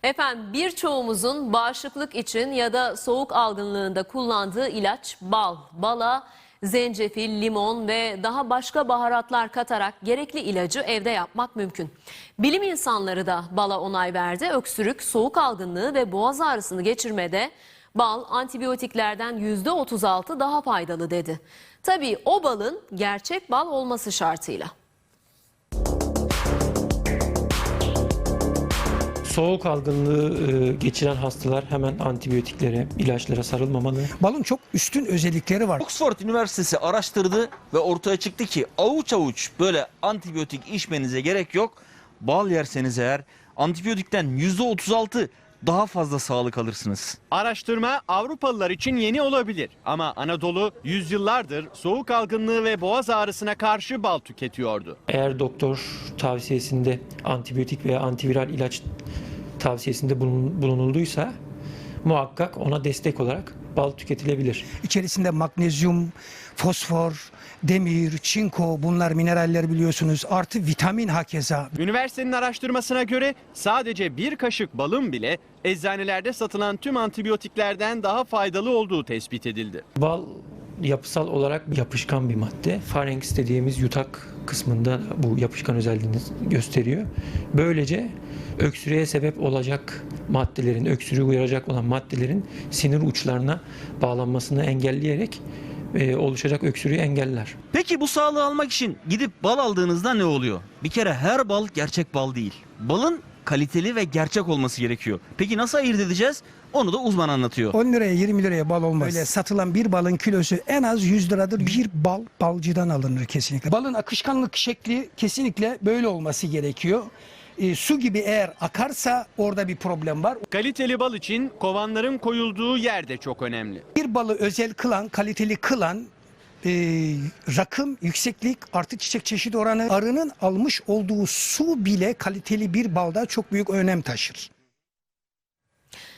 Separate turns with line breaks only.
Efendim birçoğumuzun bağışıklık için ya da soğuk algınlığında kullandığı ilaç bal. Bala zencefil, limon ve daha başka baharatlar katarak gerekli ilacı evde yapmak mümkün. Bilim insanları da bala onay verdi. Öksürük, soğuk algınlığı ve boğaz ağrısını geçirmede bal antibiyotiklerden %36 daha faydalı dedi. Tabii o balın gerçek bal olması şartıyla.
Soğuk algınlığı geçiren hastalar hemen antibiyotiklere, ilaçlara sarılmamalı.
Balın çok üstün özellikleri var.
Oxford Üniversitesi araştırdı ve ortaya çıktı ki avuç avuç böyle antibiyotik içmenize gerek yok. Bal yerseniz eğer antibiyotikten %36 daha fazla sağlık alırsınız.
Araştırma Avrupalılar için yeni olabilir ama Anadolu yüzyıllardır soğuk algınlığı ve boğaz ağrısına karşı bal tüketiyordu.
Eğer doktor tavsiyesinde antibiyotik veya antiviral ilaç tavsiyesinde bulunulduysa muhakkak ona destek olarak bal tüketilebilir.
İçerisinde magnezyum, fosfor, demir, çinko, bunlar mineraller biliyorsunuz. Artı vitamin hakeza.
Üniversitenin araştırmasına göre sadece bir kaşık balın bile eczanelerde satılan tüm antibiyotiklerden daha faydalı olduğu tespit edildi.
Bal yapısal olarak yapışkan bir madde. Farenks dediğimiz yutak kısmında bu yapışkan özelliğini gösteriyor. Böylece öksürüğe sebep olacak maddelerin, öksürüğü uyaracak olan maddelerin sinir uçlarına bağlanmasını engelleyerek oluşacak öksürüğü engeller.
Peki bu sağlığı almak için gidip bal aldığınızda ne oluyor? Bir kere her bal gerçek bal değil. Balın kaliteli ve gerçek olması gerekiyor. Peki nasıl ayırt edeceğiz? Onu da uzman anlatıyor.
10 liraya 20 liraya bal olmaz. Öyle satılan bir balın kilosu en az 100 liradır. Bir bal balcıdan alınır kesinlikle. Balın akışkanlık şekli kesinlikle böyle olması gerekiyor. Su gibi eğer akarsa orada bir problem var.
Kaliteli bal için kovanların koyulduğu yer de çok önemli.
Bir balı özel kılan, kaliteli kılan rakım, yükseklik, artı çiçek çeşit oranı, arının almış olduğu su bile kaliteli bir balda çok büyük önem taşır.